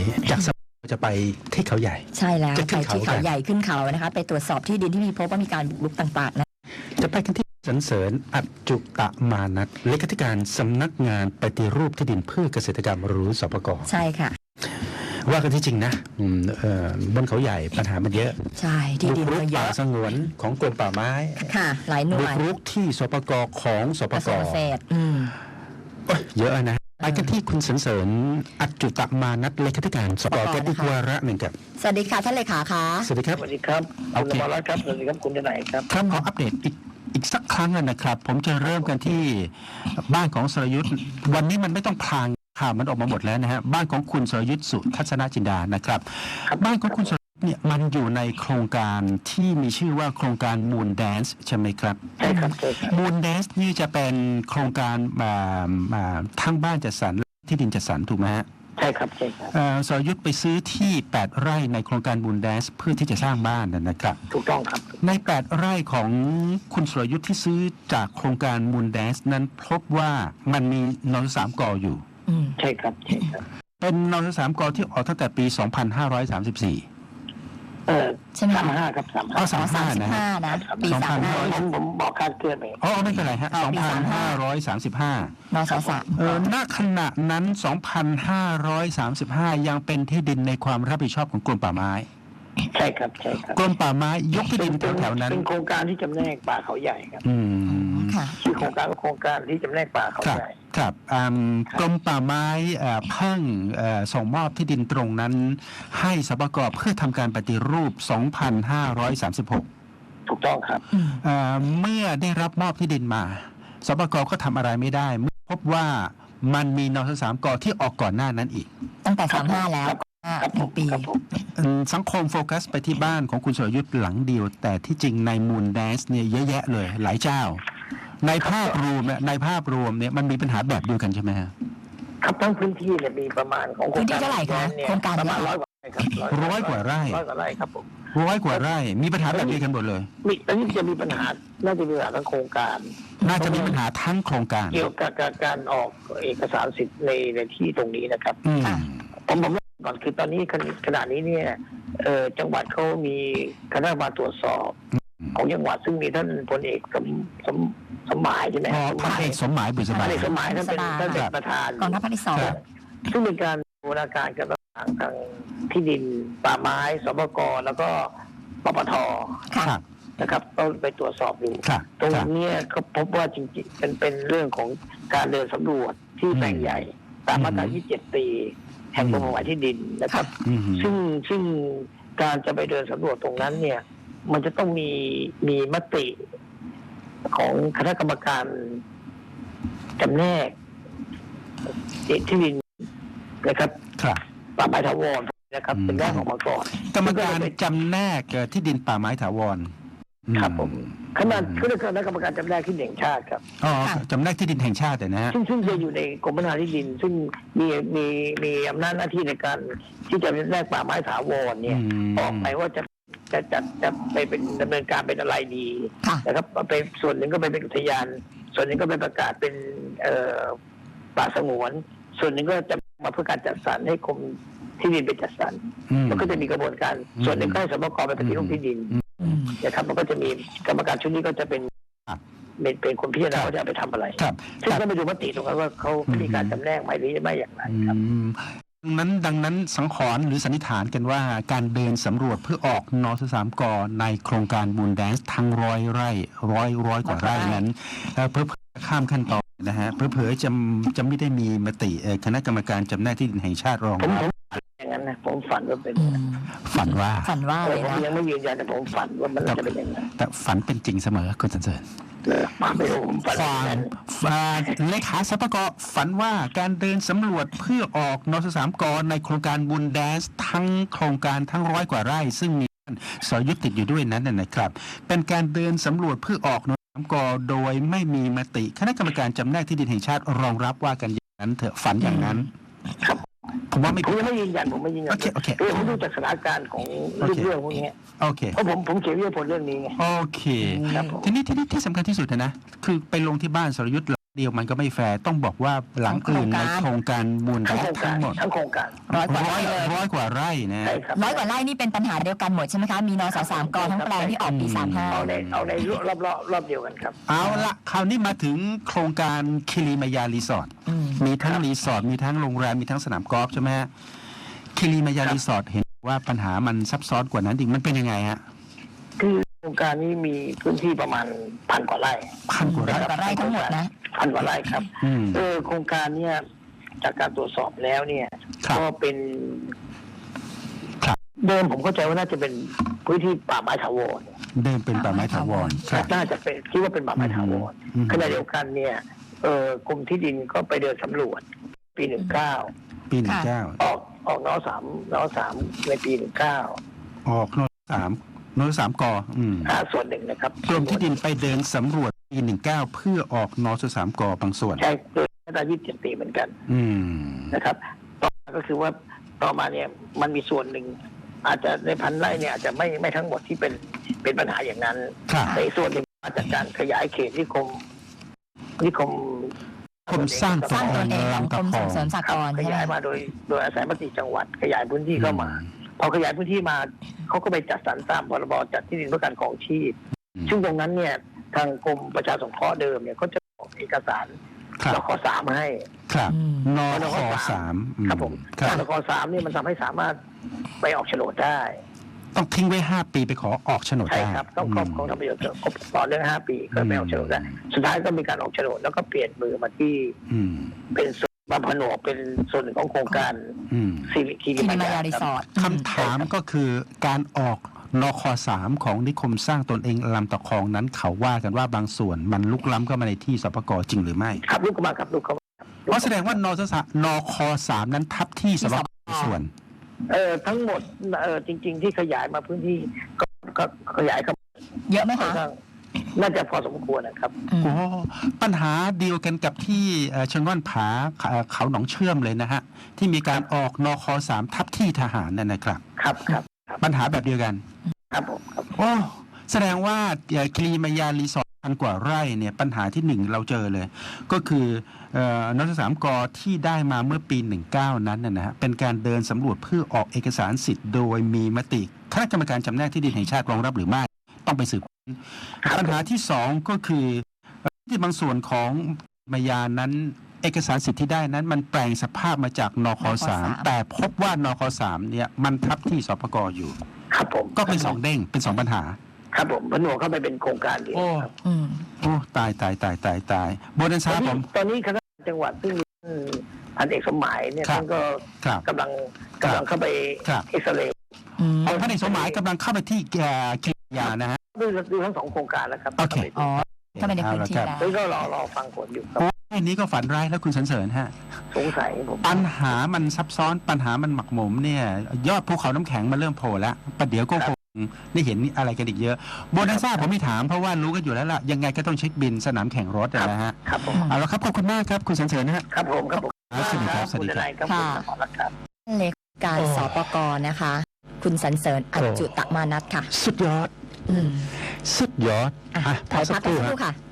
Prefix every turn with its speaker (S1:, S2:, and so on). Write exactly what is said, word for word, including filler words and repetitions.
S1: นี้จากสจะไปที่เขาใหญ่
S2: ใช่แล้ว
S1: จะ
S2: ไป
S1: ขึ้นเขา
S2: ที่เขา
S1: กัน
S2: ใหญ่ขึ้นเขานะคะไปตรวจสอบที่ดินที่มีพบว่ามีการบุกรุกต่างๆนะ
S1: จะไปกันที่สรรเสริญอัจจุตมานัทเลขาธิการสำนักงานปฏิรูปที่ดินเพื่อเกษตรกรรมหรือสปก.
S2: ใช่ค่ะ
S1: ว่ากันที่จริงนะอืมเอ่อบนเขาใหญ่ปัญหามันเยอะ
S2: ใช่ที่ดิน
S1: บุกรุ
S2: ก็
S1: ก
S2: เย
S1: ป่า
S2: อะ
S1: สงวนของกรมป่าไม้
S2: ค่ะ หลายหน่
S1: บุ
S2: ว
S1: ก
S2: ย
S1: รุกที่สปก.ของสป
S2: กระท
S1: ก.
S2: รวงเกษตรอืม
S1: โอ้ยเยอะนะไปกันที่คุณสรรเสริญอัจจุตมานัทเลขาธิการสปก.กันอีกวาระหนึ่งครับ
S2: สวัสดีค่ะท่านเลขาคะ
S1: สวัสดีครับ
S3: สวัสดีครับ
S1: โอ
S3: คุณ
S1: เค
S3: นภรัตน์ครับสวัสดีครับคุณจะไหนครับ
S1: ครับขออัปเดตอีกอีกสักครั้งนะครับ ผมจะเริ่มกันที่บ้านของสรยุทธ์วันนี้มันไม่ต้องพลางข่าวมันออกมาหมดแล้วนะฮะบ้านของคุณสรยุทธ์สุทัศนจินดานะครับ บ้านของคุณสรยุทธ์เนี่ยมันอยู่ในโครงการที่มีชื่อว่าโครงการ Moon Dance ใช่ไหมครับ
S3: ใช่ครับใช่ครับ
S1: Moon Dance นี่จะเป็นโครงการมามาทั้งบ้านจัดสรรที่ดินจัดสรรถูกไหมฮะ
S3: ใช่ครับใช่ครับ
S1: เอ่อสรยุทธ์ไปซื้อที่แปดไร่ในโครงการ Moon Dance เพื่อที่จะสร้างบ้านนะครับ
S3: ถูกต้องครับ
S1: ในแปดไร่ของคุณสรยุทธ์ที่ซื้อจากโครงการ Moon Dance นั้นพบว่ามันมีนสามกอยู่
S2: อืม
S3: ใช่ครับใช่ครับ
S1: เป็นนสามกที่ออกตั้งแต่ปี สองพันห้าร้อยสามสิบสี่
S3: เออ
S2: ใช่ไหม
S3: สาม
S2: คะ
S3: ห้าครับสาม
S1: อ๋
S3: ห้า
S1: อสามห้า
S2: สิบ
S1: นะฮะ
S2: ห้านะปี
S1: สอง
S2: สา
S1: พั
S2: ม
S1: น
S2: ห้า
S3: ผมผมบอกการเกินไป
S1: อ๋อไม่เป็นไรฮะ
S2: อ๋อ
S1: สอง
S2: ปี
S1: พั
S2: สาน มห้า
S1: ห้าร้อยสามสิบห้าน
S2: สสาม
S1: เออณขณะนั้น สองพันห้าร้อยสามสิบห้า ยังเป็นที่ดินในความรับผิดชอบของกรมป่าไม้
S3: ใช่ครับใช่ครับ
S1: กรมป่าไม้ยกที่ดินแถวๆนั้น
S3: เป็นโครงการที่จำแนกป่าเขาใหญ่ครับ
S1: อืม
S2: ค่ะ
S3: ชื่อโครงการว่าโครงการที่จำแนกป่าเขา
S1: ครับ
S3: ใหญ่
S1: ครับอืมกรมป่าไม้เอ่อเพิ่งเอ่อส่งมอบที่ดินตรงนั้น ให้สปก.เพื่อทำการปฏิรูป สองพันห้าร้อยสามสิบหก
S3: ถูกต้องครับ
S2: อืม
S1: เอ่อเมื่อได้รับมอบที่ดินมาสปก.ก็ทำอะไรไม่ได้เมื่อพบว่ามันมีนสสามกที่ออกก่อนหน้านั้นอีก
S2: ตั้งแต่สามห้าแล้วห้า
S3: ครับ
S2: ห
S3: ผ
S2: นึ่
S3: ม
S2: งปี
S3: ครับผม
S1: อืมสังคมโฟกัสไปที่บ้านของคุณสรยุทธ์หลังเดียว แต่ที่จริงในมูนแดนซ์เนี่ยเยอะแยะเลยหลายเจ้า ในภาพรวมเนี่ยในภาพรวมเนี่ยมันมีปัญหาแบบเดียวกันใช่ไหมฮะ
S3: ครับทั้งพื้นที่เนี่ยมีประมาณของโครง
S2: พื้นที่
S3: การ
S2: เท่าไหร่คะ
S3: เนี่ย
S2: โครงการ
S3: ประมาณ
S2: เย
S3: ร้อ
S2: อะ
S3: ยกว่าไร่ครับ
S1: ร้อยกว่าไร่
S3: ร้อยกว่าไร่ครับผม
S1: ร้อยกว่าไร่มีปัญหาแบบเดียวกันหมดเลย
S3: มีตอนนี้จะมีปัญหาน่าจะมีปัญหาทั้งโครงการ
S1: น่าจะมีปัญหาทั้งโครงการ
S3: เกี่ยวกับการการออกเอกสารสิทธิ์ในในที่ตรงนี้นะครับ
S1: อืม
S2: ค่ะ
S3: ผมผมเล่าก่อนคือตอนนี้ขณะนี้เนี่ยเอ่อจังหวัดเขามีคณะกรรมการตรวจสอบของจังหวัดซึ่งมีท่านพลเอกสมสมสมหมายใช่ไหม
S1: พอพันเอกสมหมายบุษ
S3: ท่า
S1: บาน
S3: เอกสมหมายท่านเป็นท่านเป็นประธาน
S2: กองทัพภาคที่สอง
S1: ครับ
S3: ซึ่งเป็นการบูรณาการกันระหว่างทางที่ดินป่าไม้สปกแล้วก็ปปท
S2: ค่ะ
S1: ครับ
S3: นะครับต้องไปตรวจสอบดู
S1: ครับ
S3: ตรง
S1: ครับ
S3: เนี้ยเขาพบว่าจริงๆเป็นเป็นเรื่องของการเดินสำรวจที่แปลงใหญ่ ตามมาตรา
S1: อืม
S3: ยี่สิบเจ็ด ปี แห่งกรมป่าไม้ที่ดินนะครับ
S1: อืม
S3: ซึ่งซึ่งการจะไปเดินสำรวจตรงนั้นเนี่ย มันจะต้องมีมีมติของคณะกรรมการจำแนกที่ดินนะครับ
S1: ครับ
S3: ป่าไม้ถาวรนะครับ
S1: อืม
S3: เป็นแรกออกมาก่อน
S1: กรรมการจำแนกเอ่อที่ดินป่าไม้ถาวร
S3: ครับผม
S1: อื
S3: ขนาดคือคณะกรรมการจำแนกที่ดินแห่งชาติครับ
S1: อ๋อจำแนกที่ดินแห่งชาติอะนะฮะ
S3: ซึ่งซึ่งจะอยู่ในกรมพัฒนาที่ดิน ซึ่งมีมีมีอำนาจหน้าที่ในการที่จะแลกป่าไม้ถาวรเนี่ย
S1: ม
S3: ออกไปว่าจะจะจะจะไปเป็นดำเนินการเป็นอะไรดี
S2: ค่ะ
S3: นะครับไปส่วนหนึ่งก็ไปเป็นอุทยาน ส่วนหนึ่งก็ไปประกาศเป็นเอ่อป่าสงวน ส่วนหนึ่งก็จะมาเพื่อการจัดสรรให้กรมที่ดินไปจัดสรร
S1: อืม
S3: มันก็จะมีกระบวนการ
S1: อืม
S3: ส่วนหนึ่งก็ให้สมกไปปฏิรูปที่ดิน
S2: อืม
S3: นะครับมันก็จะมีกรรมการชุดนี้ก็จะเป็น
S1: ครับ
S3: เป็นเป็นคนพิจารณา
S1: ครับ
S3: ว่าจะเอาไปทำอะไร
S1: ครับ
S3: ซึ่ง
S1: ครับ
S3: ก็ไปดูมติตรงนั้นว่าเขามีการจำแนกไหมหรือไม่อย่างไร
S1: อื
S3: ครับ
S1: มดังนั้นดังนั้นสังขรณ์หรือสันนิษฐานกันว่าการเดินสำรวจเพื่อออกนสสามกในโครงการบูนแดนซ์ทั้งร้อยไร่ร้อยร้อยกว่าไร่นั้นเอ่อเพื่อข้ามขั้นตอนนะฮะเพื่อเผยจะจะไม่ได้มีมติเอ่อคณะกรรมการจำแนกที่ดินแห่งชาติรอง
S3: ผม
S1: รับ
S3: ผมอย่างนั้นนะผมฝันว่าเป็น
S2: อืม
S1: ฝันว่า
S2: ฝันว่า
S3: แต่
S2: เลย
S3: ผม
S2: นะ
S3: ยังไม่ยืนยันแต่ผมฝันว่ามันน่าจะเป็นอย่างนั้น
S1: แต่ฝันเป็นจริงเสมอคุณสันเสริญ
S3: เลยมาไม่รู้ผมฝัน
S1: ฟั
S3: อย่าง
S1: ง
S3: นั้น
S1: อ่าเลขาสปกฝันว่าการเดินสำรวจเพื่อออกนสสามกในโครงการบุญแดนซ์ทั้งโครงการทั้งร้อยกว่าไร่ ซึ่งมีสรยุทธ์ติดอยู่ด้วยนั้นนะนะครับ เป็นการเดินสำรวจเพื่อออกนสสามกโดยไม่มีมติคณะกรรมการจำแนกที่ดินแห่งชาติรองรับว่ากันอย่างนั้นเถอะฝันอย่างนั้น
S3: ครับ
S1: ผมว่าไม่
S3: ผมยังไม่ยืนยันผมไม่ยืนยัน
S1: โอเคโอเค
S3: คือผมดูจากสถานการณ์ของเรื่องเรื่องพวกนี้
S1: โอเค
S3: เพราะผมผมเขียนวิทยาผลเรื่องนี้ไง
S1: โอเค
S3: ครับผม
S1: ทีนี้ที่ที่ที่สำคัญที่สุดนะนะคือไปลงที่บ้านสรยุทธ์เดียวมันก็ไม่แฟร์ต้องบอกว่าหลังอื่นในโครงการมูล
S3: ทั้ง
S1: แด
S3: โครง
S1: ทั้
S3: การ
S1: งหมด
S3: ทั้งโครงการ
S2: ร้อยกว่า
S1: ร้อ
S2: ไร่
S1: ย
S2: เลย
S1: ร้อยกว่าไร่นะ
S3: ใช่ครับ
S2: ร้อยกว่าไร่นี่เป็นปัญหาเดียวกันหมดใช่ไหมคะ มีนสสามกทั้งแปลงที่ออกปีสามห้า
S3: เอาในเอาในรอบรอบรอบเดียวกันครับ
S1: เอาละคราวนี้มาถึงโครงการคิริมายารีสอร์ท
S2: อืม
S1: มีทั้งรีสอร์ทมีทั้งโรงแรมมีทั้งสนามกอล์ฟใช่ไหมฮะคิริมายารีสอร์ทเห็นว่าปัญหามันซับซ้อนกว่านั้นจริงมันเป็นยังไงฮะ
S3: คือโครงการนี้มีพื้นที่ประมาณพันกว่าไร่
S1: พันกว่า
S2: ร้
S1: ไร่
S2: อยกว่าไร่ทั้งหมดนะ
S3: พันกว่าไร่ครับ
S1: อืม
S3: เออโครงการเนี่ยจากการตรวจสอบแล้วเนี่ย
S1: ครับ
S3: ก็เป็น
S1: ครับ
S3: เดิมผมเข้าใจว่าน่าจะเป็นพื้นที่ป่าไม้ถาวร
S1: เดิมเป็นป่าไม้ถาวรครับ
S3: น่าจะเป็นคิดว่าเป็นป่าไม้ถาวร
S1: อืม
S3: ขณะเดียวกันเนี่ยเออกรมที่ดินก็ไปเดินสำรวจปีหนึ่งเก้า
S1: ปีหนึ่งเก้า
S3: ออกออกนอสามนอสามในปีหนึ่งเก้า
S1: ออกโนสามโนสามกออืม
S3: อ่าส่วนหนึ่งนะครับ
S1: กรมที่ดินไปเดินสำรวจปีหนึ่งเก้าเพื่อออกนสสามกอบางส่วน
S3: ใช่โดยมาตรายี่สิบเจ็ดปีเหมือนกัน
S1: อืม
S3: นะครับต่อมาก็คือว่าต่อมาเนี่ยมันมีส่วนหนึ่ง อาจจะในพันไร่เนี่ยอาจจะไม่ไม่ทั้งหมดที่เป็นเป็นปัญหาอย่างนั้น
S1: ครับ
S3: แต่อีกส่วนหนึ่งมาจากการขยายเขตนิคมนิคม
S1: คมสร้าง
S2: สร้างตนเองของกรมส่งเสริมสห
S3: ค
S2: ก
S3: รับ
S2: รณ์
S3: ข
S2: ใช่ไหม
S3: ยายมาโดยโดยอาศัยมติจังหวัด ขยายพื้นที่เข้ามา พอขยายพื้นที่มาเขาก็ไปจัดสรรตามพรบจัดที่ดินเพื่อการครองชีพ
S1: อืม
S3: ซึ่งตรงนั้นเนี่ยทางกรมประชาสงเคราะห์เดิมเนี่ยเขาจะออกเอกสาร
S1: ครับ
S3: นคสามให้
S1: ครับ
S2: อืม
S1: นคสามอื
S3: ครับผม
S1: ครับ
S3: นคสามเนี่ยมันทำให้สามารถไปออกโฉนดได้
S1: ต้องทิ้งไว้ห้าปีไปขอออกโฉนด
S3: ใช่
S1: ได้
S3: ครับ ต้องครอบครองทำประโยชน์ครบต่อเนื่องห้าปีก็ไปออกโฉนดได้สุดท้ายก็มีการออกโฉนดแล้วก็เปลี่ยนมือมาที่
S1: อืม
S3: เป็นส่วนมาผนวกเป็นส่วนหนึ่งของโครงการ
S1: อืม
S3: ซีริคี
S2: คิริมายารีสอร์ท
S1: คำถามก็คือการออกนคสามของนิคมสร้างตนเองลำตะคองนั้นเขาว่ากันว่าบางส่วนมันลุกล้ำเข้ามาในที่สปกจริงหรือไม่
S3: ครับลูกเข้ามาครับลูกเข้ามา
S1: เพราะแสดงว่านสสนคสามนั้นทับที่สปกส่วน
S3: เออทั้งหมดเออจริง ๆ ที่ขยายมาพื้นที่ก็ก็ขยายเข้ามา
S2: เยอะไหม
S3: ค่อน
S2: คะ
S3: ข้างน่าจะพอสมควรนะครับ
S2: อืม
S1: โอ้ปัญหาเดียวกันกับที่เอ่อเชิงว่านผาเอ่อเขาหนองเชื่อมเลยนะฮะ ที่มีการออกนคสามทับที่ทหารนั่นนะครับ
S3: ครับครับครับ
S1: ปัญหาแบบเดียวกัน
S3: ครับผมครับ
S1: โอ้แสดงว่าเอ่อคิริมายารีสอร์ทพันกว่าไร่เนี่ยปัญหาที่หนึ่งเราเจอเลย ก็คือเอ่อนสสามกที่ได้มาเมื่อปีหนึ่งเก้านั้นนะนะฮะเป็นการเดินสำรวจเพื่อออกเอกสารสิทธิ์โดยมีมติคณะกรรมการจำแนกที่ดินแห่งชาติรองรับหรือไม่ต้องไปสืบ ปัญหาที่สองก็คือที่บางส่วนของมายานั้น เอกสารสิทธิ์ที่ได้นั้น มันแปลงสภาพมาจากนคสามแต่พบว่านคสามเนี่ยมันทับที่สปกอยู่
S3: ครับผม
S1: ก็เป็นสองเด้งเป็นสองปัญหา
S3: ครับผมผนวกเข้าไปเป็นโครงการเดียว
S1: โอ้
S3: ครับ
S2: อืม
S1: โอ้ตายตายตายตายตายโบนัน
S3: ต
S1: ซา
S3: อน
S1: ผ
S3: นี้
S1: ม
S3: ตอนนี้คณะจังหวัดซึ่งมีท่านพันเอกสมหมายเนี่ย
S1: ครับ
S3: ท่านก็
S1: ครับ
S3: กำลังกำลังเข้าไป
S1: ครับ
S3: เอ็กซเรย์
S2: อืม
S1: เอาท่านเอกสมหมายกำลังเข้าไปที่เอ่อคิริมายานะฮะ
S3: ดูดูทั้งสองโครงการแล้วครับ
S1: โอเค
S2: อ๋อ ถ้าเป็นในพื้นที่
S1: เอาละครับ
S2: แล้ว
S3: แล้วก็รอรอฟังผลอยู่ครับ
S1: โอ้ยนี้ก็ฝันร้ายแล้วคุณสันเสริญฮะ
S3: สงสัยผม
S1: ปัญหามันซับซ้อนปัญหามันหมักหมมเนี่ย ยอดภูเขาน้ำแข็งมันเริ่มโผล่แล้วประเดี๋ยวก็คงได้เห็นอะไรกันอีกเยอะโบนัสซ่าผมไม่ถามเพราะว่ารู้กันอยู่แล้วล่ะ ยังไงก็ต้องเช็คบินสนามแข่งรถอะนะฮะ
S3: ครับผม
S1: เอาละครับ ขอบคุณมากครับ คุณสันเสริญนะฮะ
S3: ครับผมครับผม
S1: ครับสวัสดีครับสวัสดีครับ
S3: ณทนายครับผมขอรับครับ
S2: เลขาการ
S1: โอ้
S2: สปกนะคะ คุณสันเสริญอัจจุตมานัทค่ะ
S1: สุดยอด
S2: อืม
S1: สุดยอด
S2: อ่ะ
S1: อ่ะ
S2: ถอยพักกันสักครู่
S1: ฮะ
S2: ค่ะ